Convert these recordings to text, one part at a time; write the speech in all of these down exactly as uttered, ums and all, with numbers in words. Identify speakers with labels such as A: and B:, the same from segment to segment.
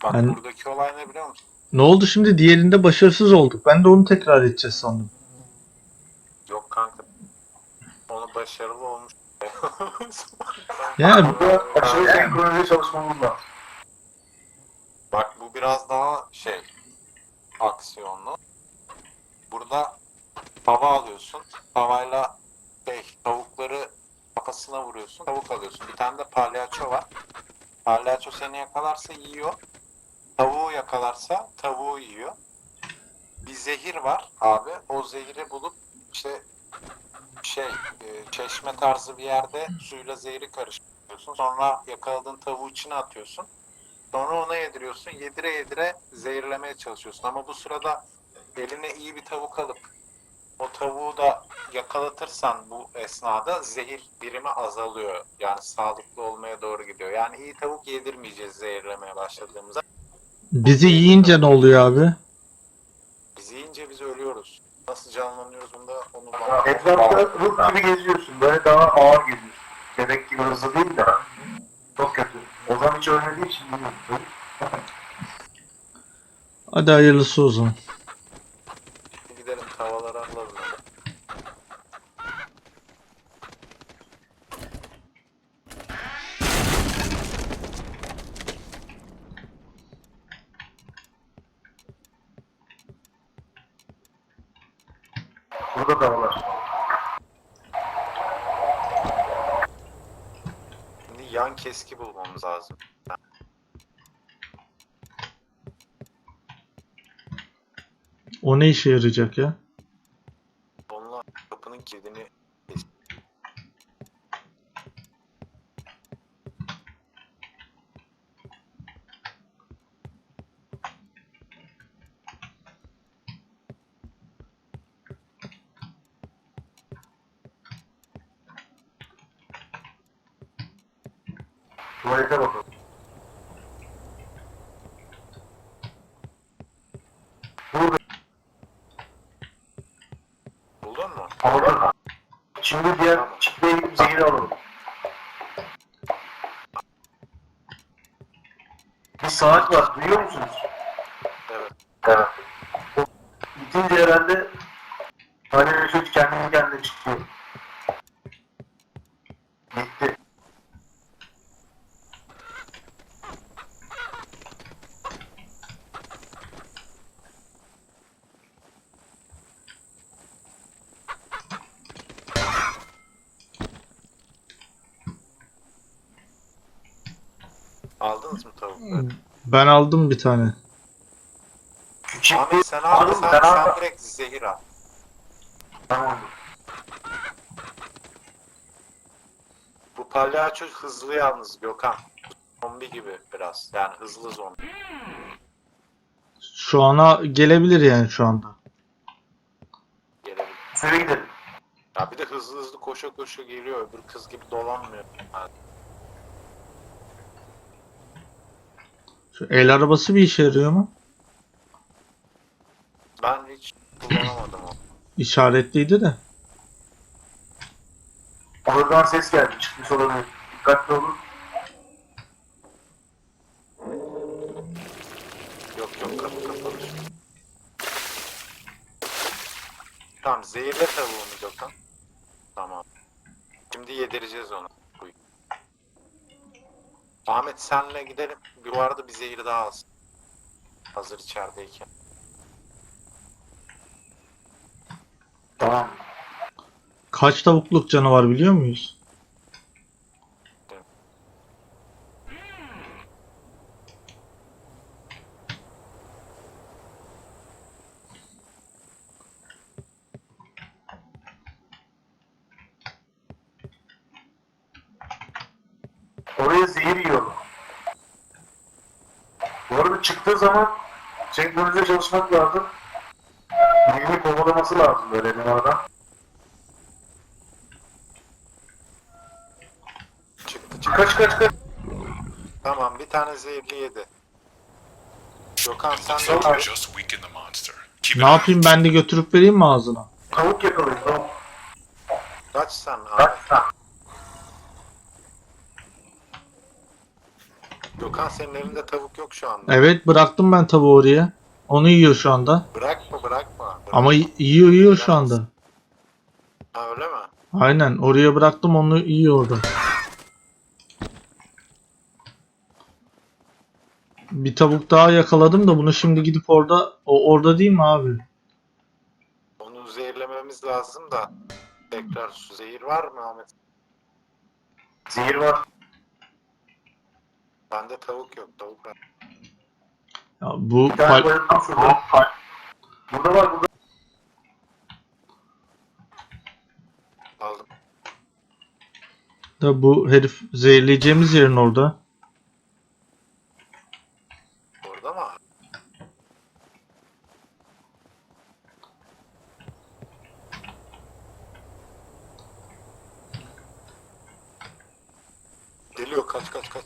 A: Bak
B: Yani
A: buradaki olay ne biliyor musun?
B: ne oldu şimdi? Diğerinde başarısız olduk. Ben de onu tekrar edeceğiz sandım.
A: Yok kanka. Onu başarılı olmuş.
B: Yani
C: Burada aşırı senkronize çalışmamız lazım.
A: Bak bu biraz daha şey aksiyonlu. Burada tava alıyorsun. Tavayla şey, tavukları kafasına vuruyorsun. Tavuk alıyorsun. Bir tane de palyaço var. Palyaço seni yakalarsa yiyor. Tavuğu yakalarsa tavuğu yiyor. Bir zehir var abi. O zehri bulup işte şey e, çeşme tarzı bir yerde suyla zehri karıştırıyorsun. Sonra yakaladığın tavuğu içine atıyorsun. Sonra ona yediriyorsun. Yedire yedire zehirlemeye çalışıyorsun. Ama bu sırada eline iyi bir tavuk alıp o tavuğu da yakalatırsan bu esnada zehir birimi azalıyor. Yani sağlıklı olmaya doğru gidiyor. Yani iyi tavuk yedirmeyeceğiz zehirlemeye başladığımızda.
B: bizi yiyince ne oluyor abi?
A: Biz yiyince biz ölüyoruz. Nasıl canlanıyoruz bunda onu
C: Ya,
A: bana...
C: etrafta ruh gibi geziyorsun. Böyle daha ağır geziyorsun. Bebek gibi hızlı değil de. Çok kötü. O zaman hiç ölmediği için bilmiyorum.
B: Hadi hayırlısı o zaman.
A: Gidelim tavaları alalım. Hadi.
C: Burada da var.
A: Şimdi yan keski bulmamız lazım.
B: O ne işe yarayacak ya?
A: Onunla kapının kilidini kes.
C: Tuvalete bakalım. Burada.
A: Buldun mu?
C: Aldım. Şimdi diğer çiftliğe gidip zehri alalım. Bir saat var. Duyuyor musunuz?
A: Evet.
C: Evet. O bitince herhalde hani vücut kendini kendine çıkıyor. Bitti.
A: Aldınız mı tavukları?
B: Ben aldım bir tane.
C: Küçük
A: Ahmet sen al,
C: Aldım,
A: sen,
C: ben
A: sen
C: aldım.
A: direkt zehir al.
C: Tamam.
A: Bu palyaço hızlı yalnız Gökhan. Zombi gibi biraz. Yani hızlı zombi.
B: Şu ana gelebilir yani şu anda.
A: Gelebilir.
C: Şöyle gidelim.
A: Ya bir de hızlı hızlı koşa koşa geliyor. Öbür kız gibi dolanmıyor. Yani
B: Şu el arabası bir işe yarıyor mu?
A: ben hiç kullanamadım onu.
B: İşaretliydi de.
C: Oradan ses geldi. Çıkmış olabilir. Dikkatli olun.
A: Yok yok kapı kapalı. Tamam zehirle tavuğunu Gökhan. Tamam. Şimdi yedireceğiz onu. Buyur. Ahmet senle gidelim. Bir arada bir zehir daha alsın. Hazır içerideyken.
C: Tamam.
B: Kaç tavukluk canavar biliyor muyuz?
C: Oraya zehir yiyorlar. Bu arada çıktığı zaman senkronize çalışmak lazım. Birini kovalaması lazım böyle numaradan.
A: Çıktı çıktı.
C: Kaç kaç kaç.
A: Tamam bir tane zehirli yedi. Gökhan sen
D: Looks
A: de
D: like you
A: al.
D: just weakened the monster. Keep
B: Ne
D: an eye
B: yapayım, ben de götürüp vereyim mi ağzına?
C: Tavuk yakalayın tavuk.
A: Kaç sen Ahmet.
C: Kaç tane?
A: Gökhan senin elinde tavuk yok şu anda.
B: Evet, bıraktım ben tavuğu oraya. Onu yiyor şu anda.
A: Bırakma bırakma. bırakma.
B: Ama y- yiyor yiyor şu anda.
A: Ha öyle mi?
B: Aynen, oraya bıraktım, onu yiyor orada. Bir tavuk daha yakaladım da bunu şimdi gidip orada, o orada değil mi abi?
A: Onu zehirlememiz lazım da. Tekrar su zehir var mı Ahmet?
C: Zehir var.
A: Bende tavuk yok. Tavuk var.
B: Ya bu
C: Bir tane
B: pal-
C: bayıldım şurada. Burada var burada.
A: Aldım.
B: da bu herif zehirleyeceğimiz yerin orada.
A: Orada mı? Geliyor kaç kaç kaç.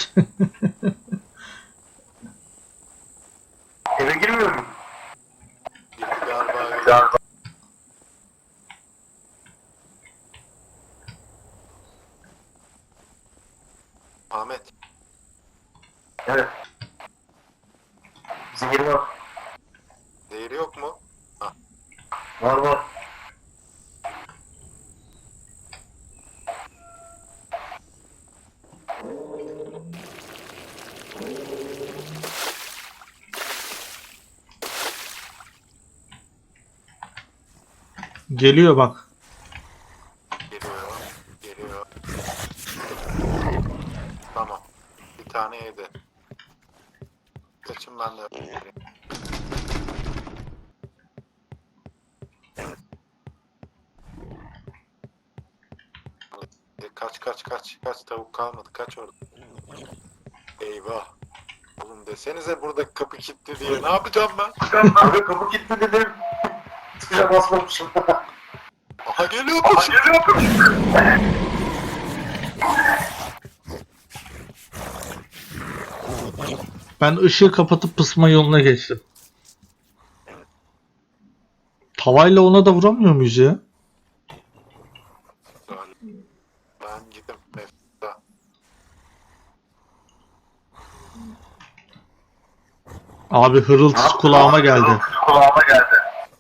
C: Eve girmiyor mu?
A: Girdi galiba.
C: Galiba.
A: Ahmet.
C: Evet. Zehir var.
A: Zehri yok mu?
C: Var var.
B: Geliyor bak.
A: Geliyor. Geliyor. Tamam. Bir tane yedi. Kaçın ben de. Kaç kaç kaç kaç tavuk kalmadı kaç orada. Eyvah. Oğlum desenize burada kapı kilitli diye ne yapacağım ben?
C: Abi kapı kilitli dedim. Tuşa basmamışım.
A: Aha geliyormuş.
B: Ben ışığı kapatıp pısma yoluna geçtim. Tavayla ona da vuramıyor muyuz ya?
A: Ben gittim. Mefta.
B: Abi hırıltısı kulağıma geldi.
C: Kulağıma geldi.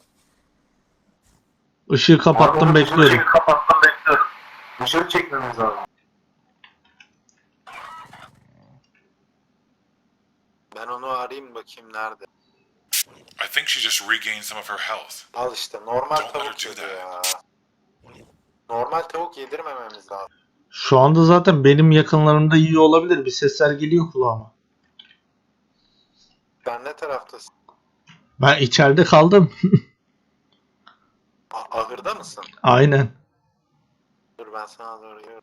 B: Işığı kapattım,
C: Abi,
B: bekliyorum.
C: Dışarı kapattım bekliyorum. Dışarı çekmemiz lazım.
A: Ben onu arayayım bakayım nerede.
D: I think she just regained some of her health.
A: Al işte normal
D: Don't let her
A: tavuk
D: do
A: yedi
D: that.
A: ya. Normal tavuk yedirmememiz lazım.
B: Şu anda zaten benim yakınlarımda yiyor olabilir. Bir sesler geliyor kulağıma.
A: Sen ne taraftasın?
B: Ben içeride kaldım.
A: A- ahırda mısın?
B: Aynen.
A: Dur ben sana doğru yürüyorum.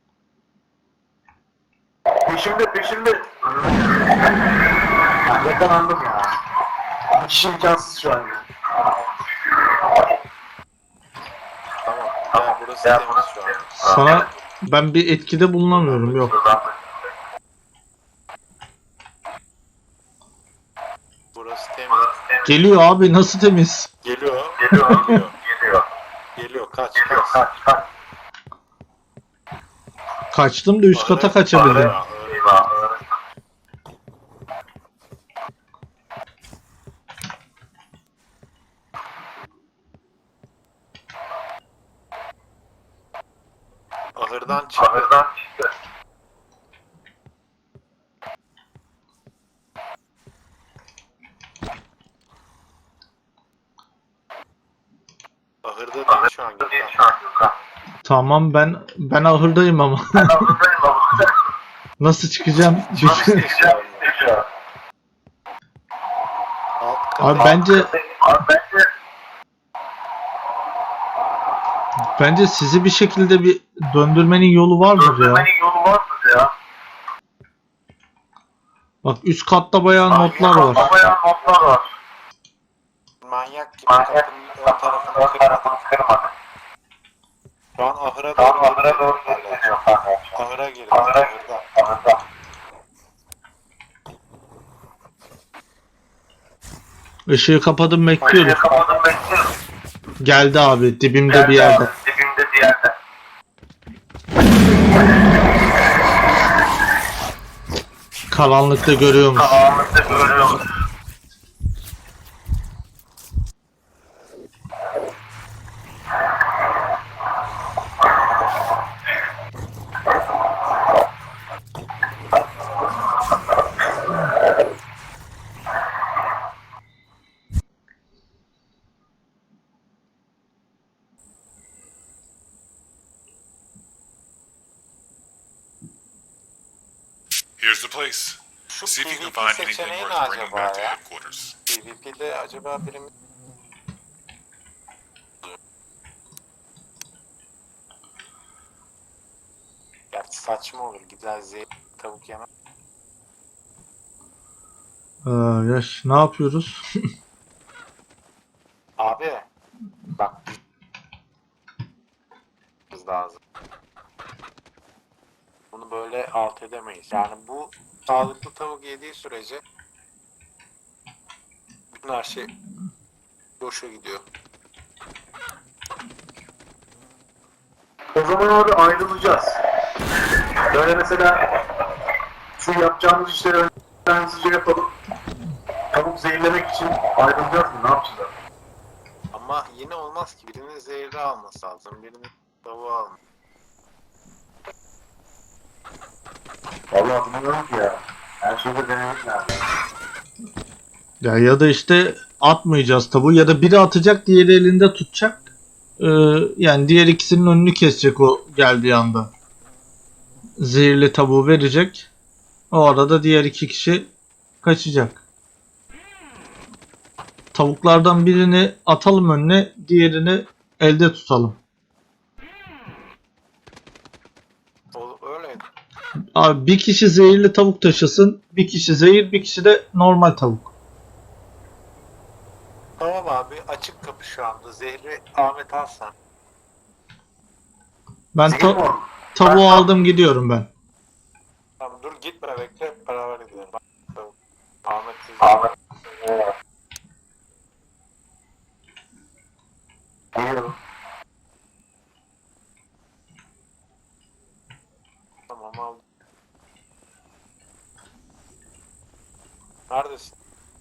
C: Peşimde peşimde. Yakalandım ya. Hiç imkansız şu an.
A: Tamam. Ya burası temiz şu an.
B: Sana ben bir etkide bulunamıyorum. Yok.
A: Burası temiz.
B: Geliyor abi, nasıl temiz?
A: Geliyor.
C: Geliyor.
A: Geliyor.
C: Geliyor.
A: Geliyor. Kaç
C: Geliyor.
A: kaç.
C: Kaç kaç.
B: Kaçtım da üst kata kaçabildim.
A: Ahıra-
C: Eyvah.
A: Ahırdan çıktı.
C: Ahırdan çıktı.
A: Ahırda değil şu an.
C: Ahırda değil
A: Gökhan.
C: şu an Gökhan.
B: Tamam, ben ben ahırdayım ama.
C: Ahırdayım ama.
B: Nasıl çıkacağım?
C: Nasıl çıkacağım? Şu an.
A: Alt kata.
B: Abi bence
C: Abi bence
B: bence sizi bir şekilde bir döndürmenin yolu vardır ya.
C: döndürmenin yolu var mı ya?
B: Bak üst katta bayağı notlar var.
C: Bayağı notlar var.
A: Manyak gibi
C: Manyak
A: kapının ön tarafını
C: ön
A: kırmadı.
C: tarafını kırmadı.
A: Şu an ahıra
C: Şu an
A: doğru
C: ahıra doğru
A: geliyor.
C: geliyor kanka.
A: Ahıra girdi.
C: Ahıra
A: Ahırda.
C: ahırda.
B: Işığı kapadım,
C: Işığı
B: bekliyorum.
C: kapadım bekliyorum.
B: Geldi abi, dibimde bir yerde.
C: Dibimde bir yerde.
B: Karanlıkta görüyormuş.
C: Karanlıkta görüyorum.
D: Here's the place.
A: Şu
D: See if you can
A: PvP
D: find anything
A: seçeneği ne
D: worth bringing
A: acaba
D: back to
A: ya?
D: headquarters.
A: PvP'de acaba birimiz... Gerçi saçma olur. Gider zehir tavuk yemem.
B: Ee, yaş, ne yapıyoruz?
A: Abi bak biz lazım. Bunu böyle alt edemeyiz. Yani bu sağlıklı tavuk yediği sürece bütün her şey boşa gidiyor.
C: O zaman abi ayrılacağız. Böyle mesela şu yapacağımız işleri önden hızlıca yapalım. Tavuk zehirlemek için ayrılacağız mı? Ne yapacağız abi?
A: Ama yine olmaz ki. Birinin zehri alması lazım. Birinin tavuğu alması.
C: Vallahi bilmiyorum ki ya. Her şeyde denemek lazım.
B: Ya ya da işte atmayacağız tabu ya da biri atacak diğeri elinde tutacak. Ee, yani diğer ikisinin önünü kesecek o geldiği anda. Zehirli tabuğu verecek. O arada diğer iki kişi kaçacak. Tavuklardan birini atalım önüne, diğerini elde tutalım.
A: O, öyleydi.
B: Abi bir kişi zehirli tavuk taşısın, bir kişi zehir, bir kişi de normal tavuk.
A: Tamam abi açık kapı şu anda. Zehri Ahmet alsan.
B: Ben
C: Zehir
B: ta-
C: mi o?
B: tavuğu aldım gidiyorum ben.
A: Tamam dur gitme bekle hep beraber gidelim. Bak, tavuk. Ahmet
C: Ahmet. Evet. Geliyorum.
A: tamam aldım. Neredesin?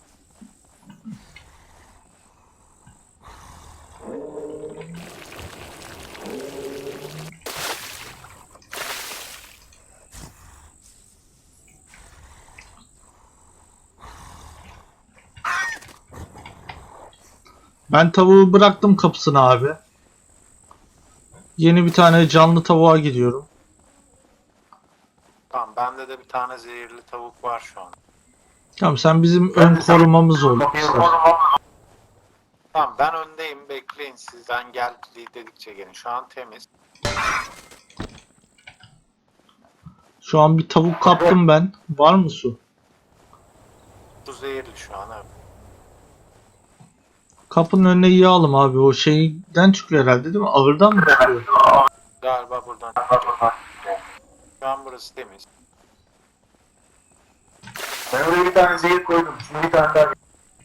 B: Ben tavuğu bıraktım kapısına abi. Yeni bir tane canlı tavuğa gidiyorum.
A: Tamam bende de bir tane zehirli tavuk var şu an.
B: Tamam sen bizim
C: Ben
B: ön
C: de sen-
B: korumamız ol.
C: Kapıyı
B: ister.
C: vurmam.
A: Tamam ben öndeyim bekleyin siz. Ben gel dedikçe gelin. Şu an temiz.
B: Şu an bir tavuk kaptım ben. Var mı su?
A: Bu zehirli şu an evet.
B: Kapının önüne yığalım abi. O şeyden çıkıyor herhalde değil mi? Ağırdan mı çıkıyor?
A: Galiba buradan. Şu an burası temiz.
C: Ben oraya bir tane zehir koydum. Şimdi bir tane daha.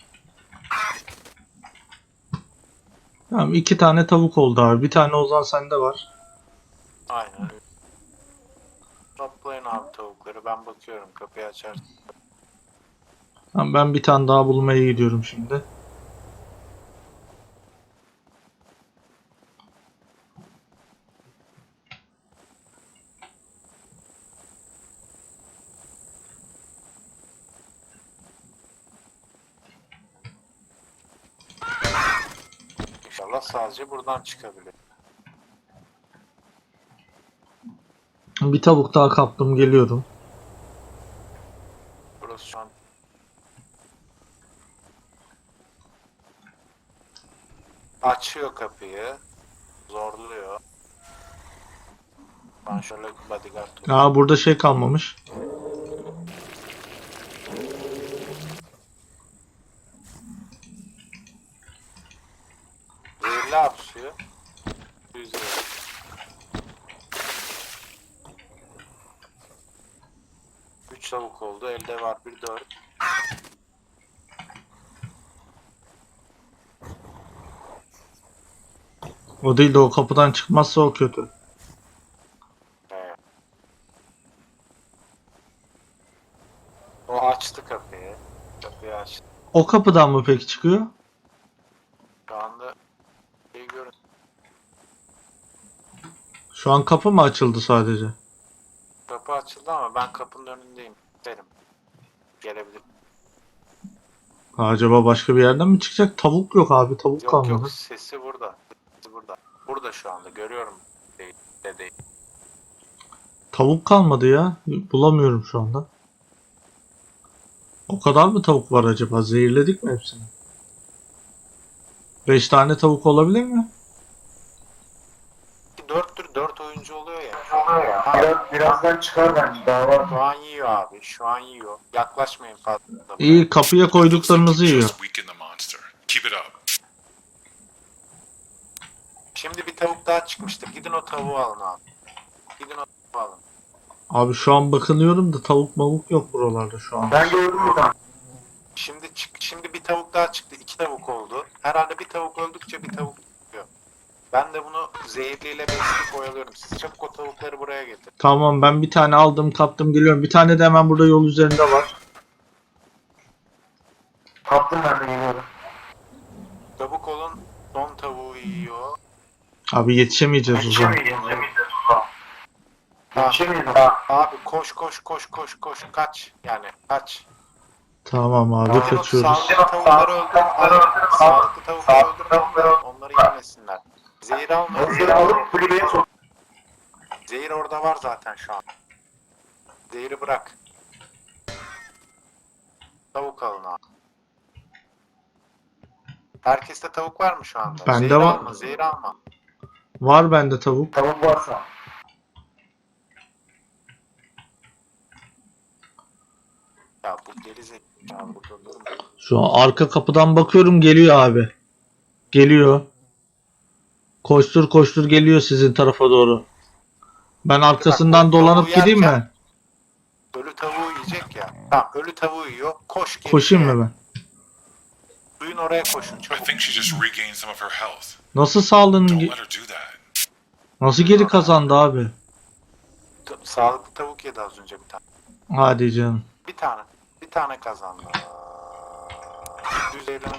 B: Tamam iki tane tavuk oldu abi. Bir tane Ozan sende var.
A: Aynen öyle. Toplayın abi tavukları. Ben bakıyorum kapıyı açar.
B: Tamam ben bir tane daha bulmaya gidiyorum şimdi.
A: İnşallah sadece buradan çıkabilir.
B: Bir tavuk daha kaptım geliyorum.
A: Burası şu an açıyor kapıyı. Zorluyor. Ben şöyle bodyguard tutayım.
B: Aa burada şey kalmamış.
A: Zehirli hapşıyor. Güzel. Üç tavuk oldu. Elde var bir dört.
B: O değil de o kapıdan çıkmazsa o kötü.
A: Evet. O açtı kapıyı. Kapıyı açtı.
B: O kapıdan mı peki çıkıyor?
A: Şu anda şey görün.
B: Şu an kapı mı açıldı sadece?
A: Kapı açıldı ama ben kapının önündeyim. Derim. Gelebilir.
B: Ha, acaba başka bir yerden mi çıkacak? Tavuk yok abi, tavuk
A: Yok
B: kalmadı.
A: yok, sesi burada. Sesi burada. Burada şu anda görüyorum. Değil, de değil.
B: Tavuk kalmadı ya. Bulamıyorum şu anda. O kadar mı tavuk var acaba? Zehirledik mi hepsini? beş tane tavuk olabilir mi?
A: Dörttür, dört oyuncu oluyor ya.
C: Biraz, birazdan çıkar bence. Daha var.
A: Şu an yiyor abi. Şu an yiyor. Yaklaşmayın fazla.
B: İyi, kapıya
D: Looks like
B: koyduklarınızı
D: you
B: yiyor.
D: just weakened the monster. Keep it up.
A: Şimdi bir tavuk daha çıkmıştır. Gidin o tavuğu alın abi. Gidin o tavuğu alın.
B: Abi şu an bakınıyorum da tavuk mavuk yok buralarda şu an.
C: Ben gördüm bir tane.
A: Şimdi çık, şimdi bir tavuk daha çıktı. İki tavuk oldu. Herhalde bir tavuk öldükçe bir tavuk çıkıyor. Ben de bunu zehirliyle besleyip oyalıyorum. Siz çabuk o tavukları buraya getirin.
B: Tamam, ben bir tane aldım, kaptım, geliyorum. Bir tane de hemen burada yol üzerinde var.
C: Kaptım ben de geliyorum.
A: Çabuk olun. Son tavuğu yiyor.
B: Abi yetişemeyeceğiz o zaman.
C: Yetişemeyiz.
A: Ha,
C: Yetişemeyiz.
A: abi koş koş koş koş koş. Kaç. Yani kaç.
B: Tamam abi,
A: Gidin o
B: kaçıyoruz.
A: sağlıklı tavukları öldürün. Sağlıklı tavukları öldürün. Onları yemesinler. Zehir almayın.
C: Zehir
A: Zehir
C: alıp kulübeye sok.
A: Zehir orada var zaten şu an. Zehiri bırak. Tavuk alın abi. Herkeste tavuk var mı şu anda?
B: Bende
A: zehir
B: var.
A: alma, zehir alma.
B: Var bende tavuk.
C: Tavuk varsa.
A: Ya bu deli zekalı bu durum.
B: Şu an arka kapıdan bakıyorum, geliyor abi. Geliyor. Koştur koştur geliyor sizin tarafa doğru. Ben arkasından
A: Bak,
B: dolanıp
A: tavuğu
B: gideyim
A: yerken-
B: mi?
A: Ölü tavuğu yiyecek ya. Tamam, ölü tavuğu yiyor. Koş geri.
B: Koşayım mı ben?
A: Suyun oraya koşun
D: I
A: çabuk.
D: think she just regained some of her health.
B: Nasıl sağlığını...
D: Don't
B: ge-
D: let her do that.
B: Nasıl geri kazandı abi?
A: Ta- Sağlıklı tavuk yedi az önce bir tane.
B: Hadi canım.
A: Bir tane. Bir tane kazandı. Düzeyden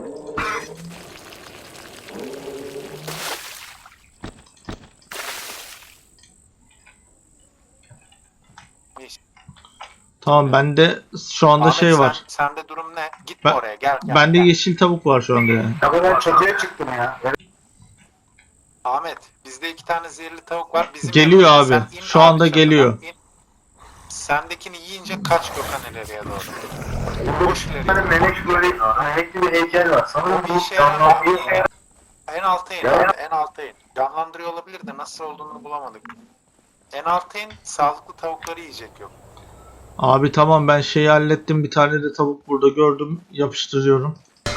B: Tamam, bende şu anda
A: Ahmet,
B: şey
A: sen-
B: var.
A: Sende durum ne? Gitme
B: Ben-
A: oraya gel gel.
B: Bende
A: gel.
B: yeşil tavuk var şu anda yani.
C: Ya ben çatıya çıktım ya.
A: Ahmet, bizde iki tane zehirli tavuk var. Bizim
B: Geliyor
A: yanımızda.
B: abi.
A: Sen in
B: Şu anda
A: çatıdan,
B: geliyor.
A: in. Sendekini yiyince kaç Gökhan ileriye doğru. Koş
C: Bir tane
A: ileriye.
C: melek böyle melekli bir heykel var. Sanırım
A: Bir
C: bu
A: işe
C: canlandırıyor.
A: yaramıyor. En alta in
C: Ya.
A: abi, en alta in. Canlandırıyor olabilir de nasıl olduğunu bulamadık. En alta in, sağlıklı tavukları yiyecek yok.
B: Abi tamam, ben şeyi hallettim. Bir tane de tavuk burada gördüm. Yapıştırıyorum.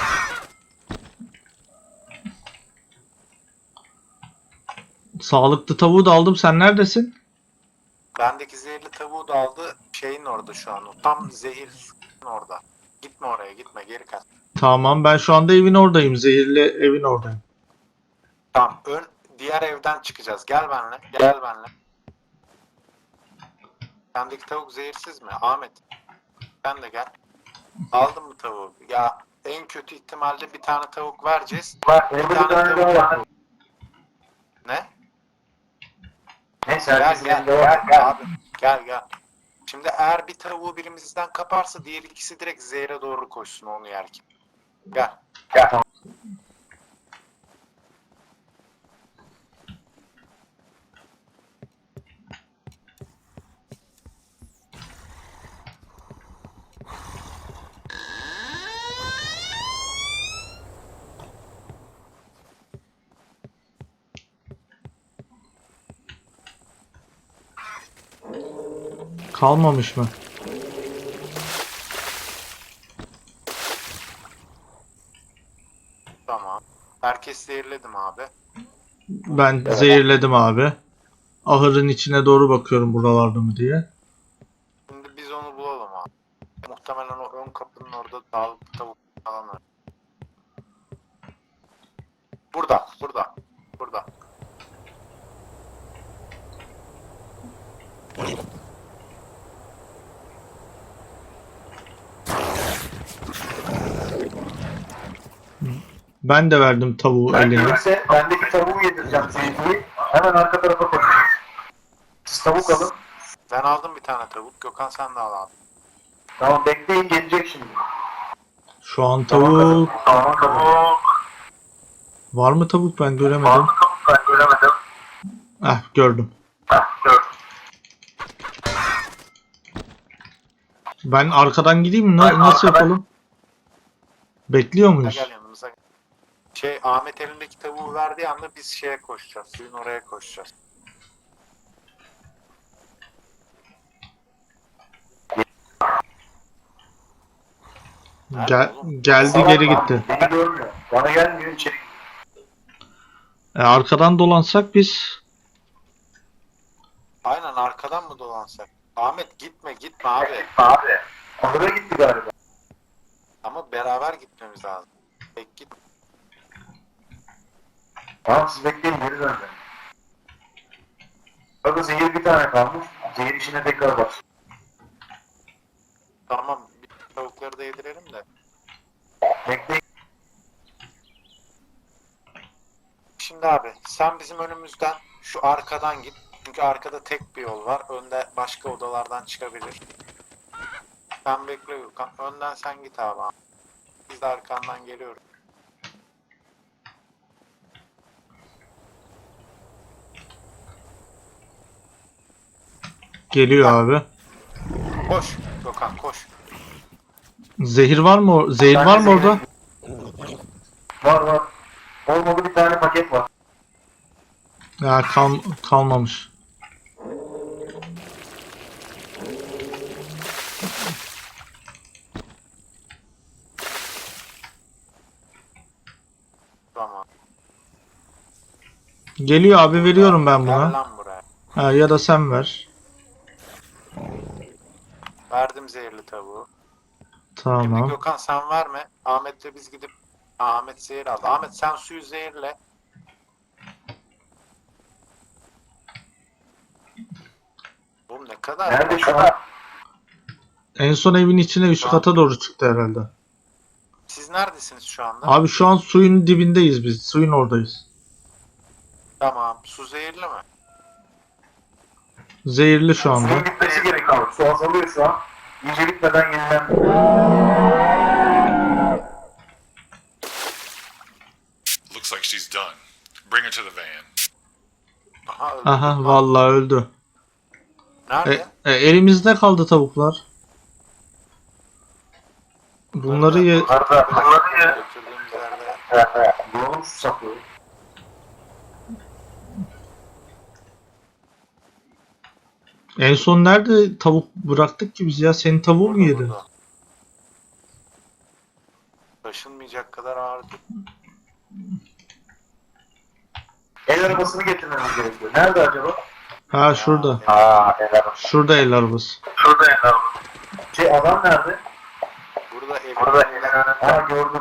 B: Sağlıklı tavuğu da aldım. Sen neredesin?
A: Bendeki zehirli tavuğu da aldı. Şeyin orada şu an. O tam zehir suyun orada. Gitme oraya, gitme, geri kaç.
B: Tamam, ben şu anda evin oradayım. Zehirli evin oradayım.
A: Tamam, ön diğer evden çıkacağız. Gel benimle, gel benimle. Sendeki tavuk zehirsiz mi? Ahmet. Sen de gel. Aldın mı tavuğu? Ya en kötü ihtimalle bir tane tavuk vereceğiz.
C: Bak orada bir tane daha var.
A: Ne?
C: Neyse
A: Gel
C: herkesin
A: gel
C: elinde var.
A: gel abi. Gel gel. Şimdi eğer bir tavuğu birimizden kaparsa diğer ikisi direkt zehre doğru koşsun onu yerken. Gel.
C: Gel. Tamam.
B: Kalmamış mı?
A: Tamam. Herkes zehirledim abi.
B: Ben zehirledim abi. Ahırın içine doğru bakıyorum buralarda mı diye.
A: Şimdi biz onu bulalım abi. Muhtemelen o ön kapının orada sağlıklı tavuk falan var. Burada, burada, burada.
B: Ben de verdim tavuğu
C: Ben
B: eline.
C: gelirse bendeki tavuğu yedireceğim Seyfi'yi. Hemen arka tarafa koyacağız. Siz tavuk alın.
A: Ben aldım bir tane tavuk. Gökhan sen de al abi.
C: Tamam bekleyin gelecek şimdi.
B: Şu an tavuk...
C: Tamam tavuk.
B: Var mı tavuk, ben göremedim.
C: Tavuk ben göremedim.
B: Ah, gördüm.
C: Heh, gördüm.
B: Ben arkadan gideyim mi? Na-
C: Ben
B: nasıl
C: arkadan-
B: yapalım? Bekliyor
A: Gel,
B: muyuz?
A: gel yanımıza. Şey Ahmet elindeki tavuğu verdiği anda biz şeye koşacağız. Suyun oraya koşacağız.
B: Gel, geldi geri gitti.
C: Beni görmüyor. Bana gelmiyor içeri.
B: E, arkadan dolansak biz...
A: Aynen arkadan mı dolansak? Ahmet gitme gitme abi.
C: Abi. Ahıra gitti galiba.
A: Ama beraber gitmemiz lazım. Tek git.
C: Tamam siz bekleyin geri dönün. Orada zehir bir tane kalmış. Zehir işine tekrar bak.
A: Tamam bir tavukları da yedirelim de.
C: Bekleyin.
A: Şimdi abi sen bizim önümüzden şu arkadan git. Çünkü arkada tek bir yol var. Önde başka odalardan çıkabilir. Sen bekle Gökhan. Önden sen git abi. Biz de arkandan geliyoruz.
B: Geliyor abi.
A: Koş Gökhan koş.
B: Zehir var mı? or- Zehir var mı orada?
C: Var var. Olmadı bir tane paket var.
B: Ya kal kalmamış.
A: Tamam.
B: Geliyor abi, veriyorum ben
A: Gel
B: buna.
A: lan buraya.
B: Ha, ya da sen ver.
A: Verdim zehirli tavuğu. Şimdi
B: Tamam.
A: Gökhan sen verme. Ahmet'le biz gidip Aa, Ahmet zehir aldı. Ahmet sen suyu zehirle. Oğlum ne kadar?
C: Nerede şu an?
B: En son evin içine üst kata doğru çıktı herhalde.
A: Siz neredesiniz şu anda?
B: Abi şu an suyun dibindeyiz biz. Suyun oradayız.
A: Tamam. Su zehirli mi?
B: Zehirli şu anda.
C: Suyun bitmesi gerekiyor. Su azalıyor şu an. İyice bitmeden yeniden.
D: Looks like she's done. Bring her to the van.
A: Aha öldü.
B: Aha, vallahi öldü.
A: Nerede?
B: E, e, elimizde kaldı tavuklar. Bunları ye...
C: Arda. Bunları ye.
A: Götürdüğümüz yerde.
C: Bulalım şu sapları.
B: En son nerede tavuk bıraktık ki biz ya? Senin tavuğu mu yedi?
A: Burada. Taşınmayacak kadar ağır değil.
C: El arabasını getirmemiz gerekiyor. Nerede acaba?
B: Ha, şurada.
C: Aa el arabası.
B: Şurada el arabası.
C: Şurada el arabası. Şey adam nerede?
A: Burada evin
C: Burada
A: önünde.
C: el arabası. Aa gördüm.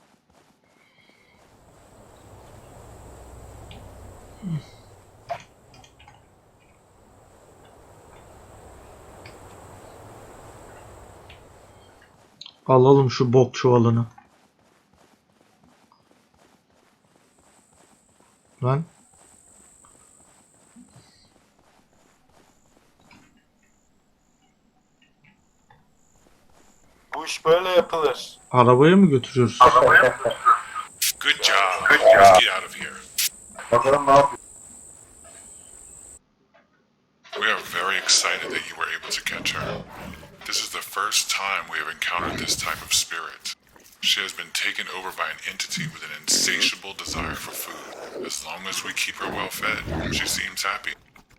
B: Alalım şu bok çuvalını. Lan.
A: Bu iş böyle yapılır.
B: Arabaya mı götürüyoruz?
D: Good job. Let's get out of here.
C: Bakalım ne yapıyor.
D: We are very excited that you were able to catch her. This is the first time we have encountered this type of spirit. She has been taken over by an entity with an insatiable desire for food. As long as we keep her well fed, she seems happy.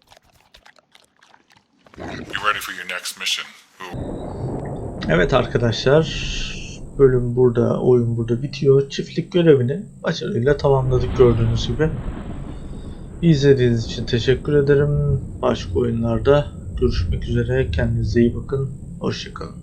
D: You ready for your next mission? Who?
B: Evet arkadaşlar, bölüm burada, oyun burada bitiyor. Çiftlik görevini başarıyla tamamladık gördüğünüz gibi. İzlediğiniz için teşekkür ederim. Başka oyunlarda görüşmek üzere. Kendinize iyi bakın. Hoşça kalın.